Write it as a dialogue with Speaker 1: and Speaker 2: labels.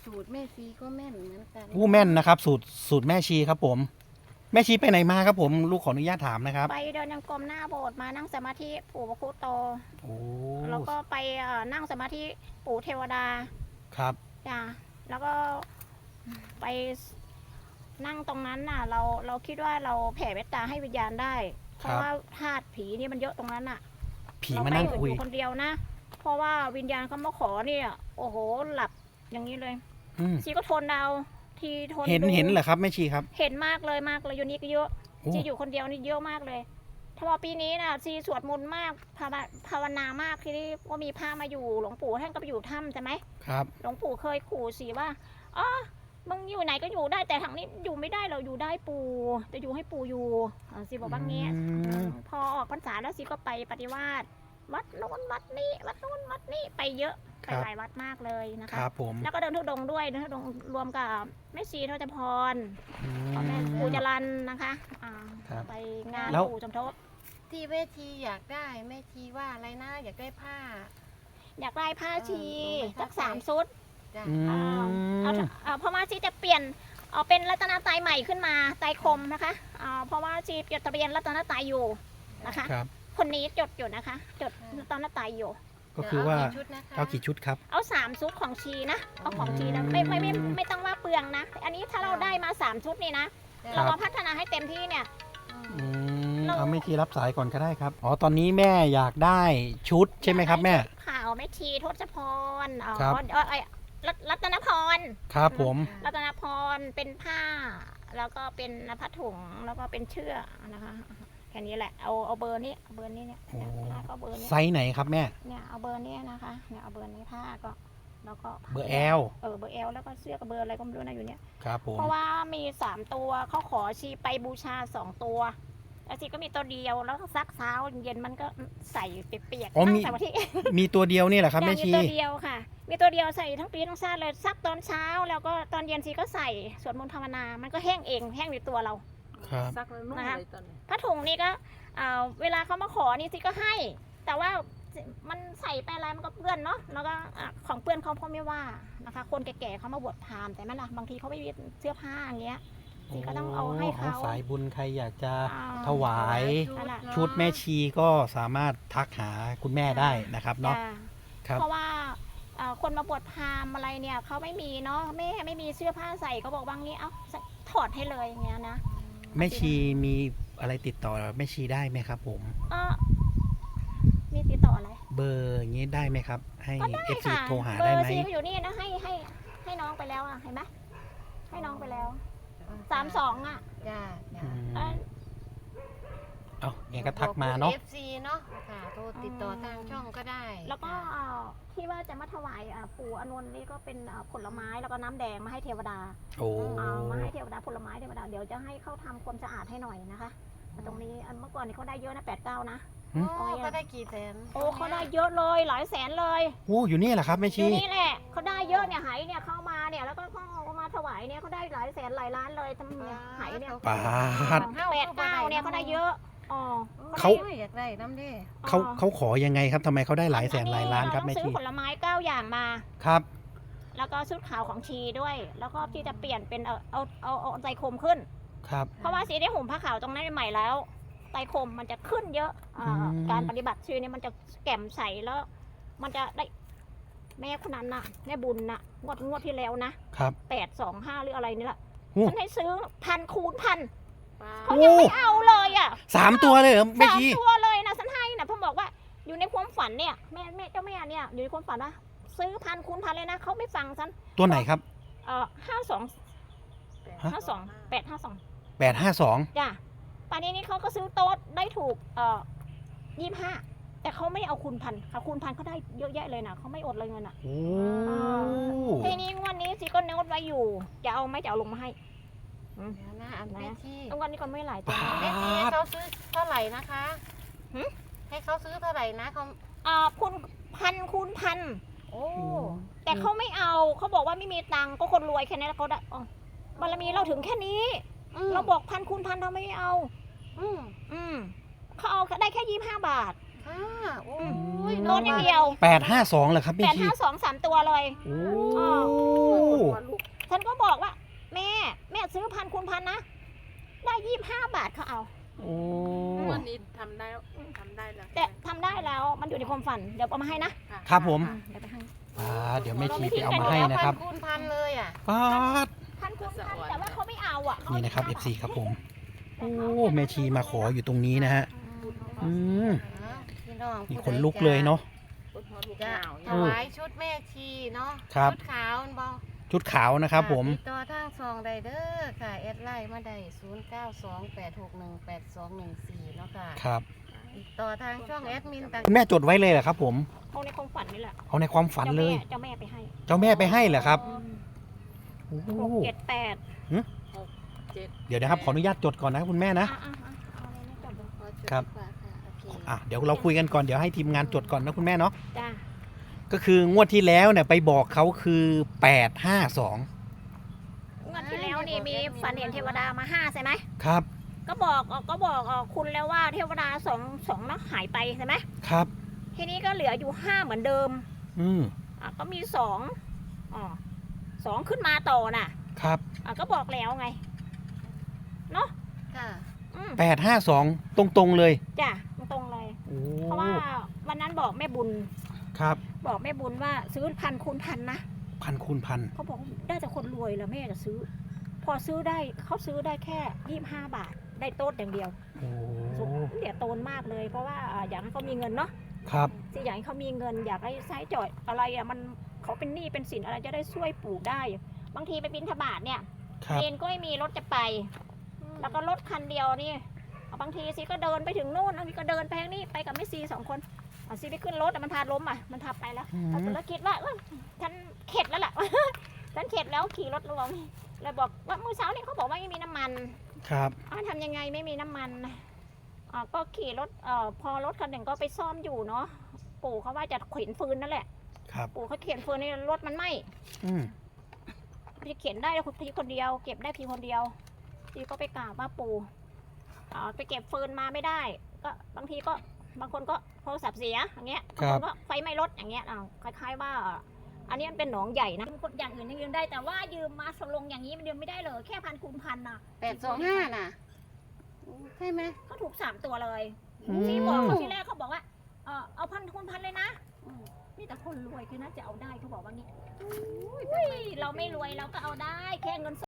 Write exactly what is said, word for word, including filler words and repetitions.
Speaker 1: สูตรแม่ชีก็แม่นเหมือนกัน
Speaker 2: ผู้แม่นนะครับสูตรสูตรแม่ชีครับผมแม่ชีไปไหนมาครับผมลูกขออนุญาตถามนะครับ
Speaker 3: ไปเดินยังกรมหน้าโบสถ์มานั่งสมาธิปู่พระคุโต
Speaker 2: โอ้
Speaker 3: แล้วก็ไปเอ่อนั่งสมาธิปู่เทวดา
Speaker 2: ครับ
Speaker 3: จ้ะแล้วก็ไปนั่งตรงนั้นน่ะ เราเราคิดว่าเราแผ่เมตตาให้วิญญาณได้ เพราะว่าธาตุผีนี่มันเยอะตรงนั้นน่ะ
Speaker 2: ผีมานั่งคุย
Speaker 3: เราไม่อยู่คนเดียวนะ เพราะว่าวิญญาณเขามาขอเนี่ยโอ้โหหลับอย่างนี้เลย
Speaker 2: อืม
Speaker 3: ชีก็ทนเอาทีทน
Speaker 2: เห็น
Speaker 3: ดู
Speaker 2: เห็นเหรอครับแม่ชีครับ
Speaker 3: เห็นมากเลยมากเลยอยู่นี่ก็เยอะ
Speaker 2: โอ้
Speaker 3: ชีอยู่คนเดียวนี่เยอะมากเลยถ้าว่าปีนี้น่ะชีสวดมนต์มากภาวนาภาวนามากที่นี่ก็มีพระมาอยู่หลวงปู่ท่านก็ไปอยู่ถ้ำใช่ไหม
Speaker 2: ครับ
Speaker 3: หลวงปู่เคยขู่สีว่าอ๋อมึงอยู่ไหนก็อยู่ได้แต่ทางนี้อยู่ไม่ได้เราอยู่ได้ปู่จะอยู่ให้ปู่อยู่อ่าสิบอกว่างี้
Speaker 2: อืม
Speaker 3: อืมพอออกพรรษาแล้วสิก็ไปปฏิวาสวัดโน้นวัดนี้วัดโน้นวัดนี้ไปเยอะไปหลายวัดมากเลยนะ
Speaker 2: ค
Speaker 3: คะ
Speaker 2: รับผม
Speaker 3: แล้วก็เดินทุดงค์ด้วยเดินทุดงค์รวมกับแม่ชีทศพร
Speaker 2: อื
Speaker 3: พ่อแม่
Speaker 2: ม
Speaker 3: ปู่จรันนะคะอ่า
Speaker 2: ครับ
Speaker 3: ไปงาน
Speaker 2: แล้ว
Speaker 3: ปู่สมทบ
Speaker 1: ที่แม่ชีอยากได้แม่ชีว่าอะไรนะอยากได้ผ้า
Speaker 3: อยากได้ผ้าชี
Speaker 1: เออ
Speaker 3: สักสามชุด
Speaker 1: จ้ะ
Speaker 2: อื
Speaker 3: เอาเอา
Speaker 2: ม
Speaker 3: เอาเพราะว่าชีจะเปลี่ยนเอาเป็นรัตนตรัยใหม่ขึ้นมาไตรคมนะคะอ่าเพราะว่าชีจดทะเบียนรัตนตรัยอยู่นะคะ
Speaker 2: ครับ
Speaker 3: คนนี้จดอยู่นะคะ จดรัตนตรัยอยู่
Speaker 2: ก็คือว่า
Speaker 1: เกี่ชุดนะคะ
Speaker 2: เอากี่ชุดครับ
Speaker 3: เอาสามชุดของชีนะเอาของชีนะไม่ไม่ไม่ไม่ไม่ต้องว่าเปลืองนะ อันนี้ถ้าเราได้มาสามชุดนี่นะ
Speaker 1: จ้ะ
Speaker 3: เรามาพัฒนาให้เต็มที่เนี่ย
Speaker 2: อืม
Speaker 3: เรา
Speaker 2: เอาแม่ชีรับสายก่อนก็ได้ครับอ๋อตอนนี้แม่อยากได้ชุดใช่ไหมครับแม่
Speaker 3: ข่าวแม่ชีทศพรอ๋อ
Speaker 2: ครับ
Speaker 3: เอ่อไอ้รัตรัตนพร
Speaker 2: ครับผม
Speaker 3: รัตนพรเป็นผ้า แล้วก็เป็นผ้าถุงแล้วก็เป็นเชือกนะคะแค่นี้แหละเอาเอาเบอร์นี้เอาเบอร์นี้เนี่ย
Speaker 2: โอ้
Speaker 3: เนี่ยแล้วก็เบอร์นี้
Speaker 2: ไซส์ไหนครับแม่
Speaker 3: เนี่ยเอาเบอร์นี้นะคะเนี่ยเอาเบอร์นี้ผ้าก็แล้วก็
Speaker 2: เบอร์แอล
Speaker 3: เออเบอร์แอลแล้วก็เสื้อกับเบอร์อะไรก็ไม่รู้นะอยู่เนี่ย
Speaker 2: ครับผม
Speaker 3: เพราะว่ามีสามตัวเขาขอชีไปบูชาสองตัวแล้วชีก็มีตัวเดียวแล้วก็ซักเช้าเย็นมันก็ใส่เปียกๆ
Speaker 2: อ๋อ
Speaker 3: ตั้
Speaker 2: มี
Speaker 3: งแต่วันที่
Speaker 2: มีตัวเดียวนี่แหละครับแม่
Speaker 3: มี
Speaker 2: ชี
Speaker 3: ตัวเดียวค่ะ มีตัวเดียวใส่ทั้งปีทั้งชาติเลยซักตอนเช้าแล้วก็ตอนเย็นชีก็ใส่สวดมนต์ภาวนา มันก็แห้งเองแห้งในตัวเรา
Speaker 2: ครับ
Speaker 1: ซักแล้วนุ่ม
Speaker 3: นะคะ
Speaker 1: เลยตอนนี้
Speaker 3: ผ้าถุงนี่ก็เอ่อเวลาเขามาขอนี่ชีก็ให้ แต่ว่ามันใส่ไปอะไรมันก็เปื้อนเนาะแล้วก็อ่ะของเปื้อนเขาพ่อไม่ว่านะคะ คนแก่ๆเขามาบวชพราหมณ์แต่มันล่ะบางทีเขาไม่มีเสื้อผ้าอย่างเงี้ยชีก็ต้องเอาให้เขา
Speaker 2: สายบุญใครอยากจะ
Speaker 3: อ่า
Speaker 2: ถวาย
Speaker 3: นั่นแหละ
Speaker 2: ชุดแม่ชีก็สามารถทักหาคุณแม่ได้นะครับเนาะ
Speaker 3: จ้ะ
Speaker 2: ครับ
Speaker 3: เพราะว่าเอ่อคนมาบวชพราหมณ์อะไรเนี่ยเขาไม่มีเนาะแม่ไม่มีเสื้อผ้าใส่เขาบอกบางนี้เอาถอดให้เลยอย่างเงี้ยนะ
Speaker 2: แม่ชีมีอะไรติดต่อแม่ชีได้ไหมครับผม
Speaker 3: เออมีติดต่ออะไร
Speaker 2: เบอร์อย่างนี้ได้ไหมครับ ให้
Speaker 3: ก็ได้
Speaker 2: เอฟซี
Speaker 3: ค่ะ
Speaker 2: โทรหา
Speaker 3: เบอ
Speaker 2: ได้
Speaker 3: ร์
Speaker 2: ไหม
Speaker 3: ซีก็อยู่นี่นะให้ให้ให้น้องไปแล้วอ่ะเห็นไหมให้น้องไปแล้วสามสองอ่ะ
Speaker 1: จ้า
Speaker 2: อื
Speaker 1: จ้าม
Speaker 3: เอ้ย
Speaker 2: เอาแกก็ทักมาเนาะ
Speaker 1: เอฟซีเนาะค่ะโทรติดต่อทางช่องก็ได้
Speaker 3: แล้วก็
Speaker 1: จ้ะ
Speaker 3: เอ่อที่ว่าจะมาถวายอ่ะปู่อานนท์นี่ก็เป็นอ่ะผลไม้แล้วก็น้ำแดงมาให้เทวดา
Speaker 2: โอ้
Speaker 3: เอามาให้เทวดาผลไม้เทวดาเดี๋ยวจะให้เขาทำความสะอาดให้หน่อยนะคะตรงนี้อันเมื่อก่อนนี่เขาได้เยอะนะแปดเก้านะ
Speaker 1: โอ้ก็ได้กี่แสน
Speaker 3: โอ้เขาได้เยอะเลยหลายแสนเลย
Speaker 2: โอ้อยู่นี่แหละครับแม่
Speaker 3: อ
Speaker 2: ชี
Speaker 3: ยู่นี่แหละเขาได้เยอะเนี่ยไหเนี่ยเข้ามาเนี่ยแล้วก็เขาเอามาถวายเนี่ยเขาได้หลายแสนหลายล้านเลยทำเนี่ยไหเนี่ย
Speaker 2: ปาด
Speaker 3: แปดเก้าเนี่ยเขาได้เยอะอ๋อ
Speaker 2: เขา
Speaker 1: อยากได้น้ำเด้
Speaker 2: เขาเขาขอยังไงครับทำไมเขาได้หลายแสนหลายล้านครับ
Speaker 3: เร
Speaker 2: แม่
Speaker 3: ต้องซื้
Speaker 2: ชี
Speaker 3: อผลไม้เก้าอย่างมา
Speaker 2: ครับ
Speaker 3: แล้วก็ชุดขาวของชีด้วย แล้วก็ที่จะเปลี่ยนเป็นเอาเอาเอาเอาใจคมขึ้น
Speaker 2: ครับ
Speaker 3: เพราะว่าสีได้ห่มผ้าขาวตรงนั้นใหม่แล้วไตรคมมันจะขึ้นเยอะอ่า
Speaker 2: อืม
Speaker 3: การปฏิบัติชีเนี่ยมันจะแก่มใสแล้ว มันจะได้แม่คนนั้นน่ะแม่บุญน่ะงวดงวดที่แล้วนะครับ แปดสองห้าหรืออะไรนี่แหละ
Speaker 2: โอ้
Speaker 3: ฉันให้ซื้อพันคูณพัน
Speaker 1: ป้า
Speaker 3: เขายังไม่เอาเลยอ่ะ
Speaker 2: สามตัวเลยเหรอแม่
Speaker 3: สาม
Speaker 2: ชี
Speaker 3: ตัวเลยนะฉันให้นะผมบอกว่าอยู่ในความฝันเนี่ยแม่แม่เจ้าแม่เนี่ยอยู่ในความฝันว่าซื้อพันคูณพันเลยนะเขาไม่ฟังฉัน
Speaker 2: ตัวไหนครับ
Speaker 3: เอ่อห้าสอง
Speaker 2: ฮะ
Speaker 3: ห้าสองแปดห้าสอง
Speaker 2: แปดห้าสอง
Speaker 3: จ้ะป่านนี้นี่เขาก็ซื้อโต๊ะได้ถูกเอ่อยี่ห้าแต่เขาไม่เอาคูณพันเขาคูณพันเขาได้เยอะแยะเลยนะเขาไม่อดเลยเงินอ่ะ
Speaker 2: โอ้
Speaker 3: ทีนี้งวดนี้ซีก็โน้ตไว้อยู่จะเอาไหมจะเอาลงมาให้
Speaker 1: เดี๋ยวนะอันแม่ชี
Speaker 3: งวดนี้ก็ไม่หลายตัว
Speaker 1: แม่ชีให้เขาซื้อเท่าไหร่นะคะ
Speaker 3: หึ
Speaker 1: ให้เขาซื้อเท่าไหร่นะเขา
Speaker 3: อ่าคูณพันคูณพัน
Speaker 1: โอ้
Speaker 3: แต่เขาไม่เอาเขาบอกว่าไม่มีตังค์ก็คนรวยแค่นี้แล้วเขาได้อ๋อบารมีเราถึงแค่นี้
Speaker 1: อืม
Speaker 3: เราบอกพันคูณพันเราไม่เอา
Speaker 1: อืม
Speaker 3: อืมเขาเอาได้แค่ยี่ห้าบาท
Speaker 1: ค่ะโอ้ย
Speaker 3: โน้ตอย่างเดียว
Speaker 2: แปดห้าสองเหรอครับ
Speaker 3: แป
Speaker 2: แม่
Speaker 3: ด
Speaker 2: ชี
Speaker 3: ห้าสองสามตัวเลย
Speaker 2: โอ้
Speaker 3: อ๋อฉันก็บอกว่า แม่แม่ซื้อพันคูณพันนะได้ยี่สิบห้าบาทเขาเอา
Speaker 2: โอ้
Speaker 4: วันนี้ทำได้ทำได้แล้ว
Speaker 3: แต่ทำได้แล้วมันอยู่ในความฝันเดี๋ยวเอามาให้นะ
Speaker 2: ครับผม
Speaker 3: เดี๋ยวไปให้
Speaker 2: อ่าเดี๋ยวแม่ชีไปเอามาให้นะครับ
Speaker 1: พันคูณพันเลยอ่ะ
Speaker 2: ป๊าด
Speaker 3: พันคูณพันแต่ว่าเขาไม่เอาอ่ะ
Speaker 2: นี่นะครับ เอฟ ซี ครับผม โอ้แม่ชีมาขออยู่ตรงนี้นะฮะ อืม
Speaker 1: อ้าวพี่น้อง
Speaker 2: นี่ขนลุกเลยเนาะ
Speaker 1: จะถวายชุดแม่ชีเนาะ
Speaker 2: ครับ
Speaker 1: ชุดขาวนั่นบ่
Speaker 2: ชุดขาวนะครับผม
Speaker 1: ติดต่อทางซองไดเดอร์ค่ะแอดไลน์มาได้ศูนย์เก้าสองแปดหกหนึ่งแปดสองหนึ่งสี่เนาะค่ะ
Speaker 2: ครับ
Speaker 1: ติดต่อทางช่องแอดมินต่าง
Speaker 2: คุณแม่จดไว้เลยเหรอครับผม
Speaker 3: เอาในความฝันนี่แหละ
Speaker 2: เอาในความฝันเลย
Speaker 3: เจ้าแม่ไปให้
Speaker 2: เจ้าแม่ไปให้เหรอครับ โอ้
Speaker 3: หกเจ็ดแปด
Speaker 2: เดี๋ยวนะครับ ขออนุญาตจดก่อนนะครับคุณแม่นะ
Speaker 3: อ่ะอ่ะอ่ะเอาเลยนะจดเลย
Speaker 1: ขอจด
Speaker 2: ครับ
Speaker 1: ดีกว่าค่ะโอเค
Speaker 2: อ่ะเดี๋ยวเราคุยกันก่อน เดี๋ยวให้ทีมงานจดก่อนนะคุณแม่เนาะ
Speaker 3: จ้า
Speaker 2: ก็คืองวดที่แล้วเนี่ยไปบอกเขาคือแปดห้าสอง
Speaker 3: งวดที่แล้วนี่มีฝันเห็นเทวดามาห้าใช่ไหม
Speaker 2: ครับ
Speaker 3: ก็บอกออกก็บอกออกคุณแล้วว่าเทวดาสองสองนักหายไปใช่ไหม
Speaker 2: ครับ
Speaker 3: ทีนี้ก็เหลืออยู่ห้าเหมือนเดิม
Speaker 2: อืม
Speaker 3: อ่ะก็มีสองอ๋อสองขึ้นมาต่อน่ะ
Speaker 2: ครับ
Speaker 3: อ่ะก็บอกแล้วไงเนาะ
Speaker 1: ค่ะ
Speaker 3: อืม
Speaker 2: แปดห้าสองตรงๆเลย
Speaker 3: จ้ะตรงๆเลย
Speaker 2: โอ้
Speaker 3: เพราะว่าวันนั้นบอกแม่บุญ
Speaker 2: ครับ
Speaker 3: บอกแม่บุญว่าซื้อพันคูณพันนะ
Speaker 2: พันคูณพัน
Speaker 3: เขาบอกได้แต่คนรวยแล้วแม่จะซื้อ พอซื้อได้เขาซื้อได้แค่ยี่สิบห้าบาทได้โต๊ดอย่างเดียว
Speaker 2: โอ้
Speaker 3: เดี๋ยวโตนมากเลย เพราะว่าอ่าอยากให้เขามีเงินเนาะ
Speaker 2: ครับ
Speaker 3: ที่อยากให้เขามีเงิน อยากให้ใช้จ่อยอะไรอ่ะมันเขาเป็นหนี้เป็นสินอะไรจะได้ช่วยปลูกได้ บางทีไปบินทบาทเนี่ย
Speaker 2: ครับ
Speaker 3: เรียนก็ไม่มีรถจะไป แล้วก็รถคันเดียวนี่บางทีซีก็เดินไปถึงนู่นบางทีก็เดินไปทางนี้ไปกับแม่ซีสองคนอ่ะซีไปขึ้นรถแต่มันพาล้มอ่ะมันพาไปแล้ว
Speaker 2: อืม
Speaker 3: แต่แล้วคิดว่าเอ้ยฉันเข็ดแล้วล่ะ ฉันเข็ดแล้วขี่รถลงเลยบอกว่ามื้อเช้านี่เขาบอกว่าไม่มีน้ำมัน
Speaker 2: ครับ
Speaker 3: อ้าวทำยังไงไม่มีน้ำมันอ่าก็ขี่รถเอ่อพอรถคันหนึ่งก็ไปซ่อมอยู่เนาะปู่เขาว่าจะเข็นฟืนนั่นแหละ
Speaker 2: ครับ
Speaker 3: ปู่เขาเข็นฟืนนี่รถมันไหม้
Speaker 2: อืม
Speaker 3: พี่เข็นได้คนพี่คนเดียว เก็บได้พี่คนเดียวพี่ก็ไปกราบว่าปู่อ่าไปเก็บฟืนมาไม่ได้ ก็บางทีก็บางคนก็โทรศัพท์เสียอย่างเงี้ยบางคนก็ไฟไหม้รถอย่างเงี้ยอ่าคล้ายๆว่า อันนี้มันเป็นหนองใหญ่นะคนอย่างอื่นยังยืมได้แต่ว่ายืมมาสลงอย่างนี้มันยืมไม่ได้เลยแค่พันคูณพันน่ะ
Speaker 1: แปดสองห้าน่ะใช่ไหม
Speaker 3: ก็ถูกสามตัวเลย
Speaker 2: อืม
Speaker 3: ที่บอกเขาที่แรกเขาบอกว่าเออเอาพันคูณพันเลยนะอืมนี่แต่คนรวยคือน่าจะเอาได้เขาบอกว่างี้อุ้ยเราไม่รวยเราก็เอาได้แค่เงินส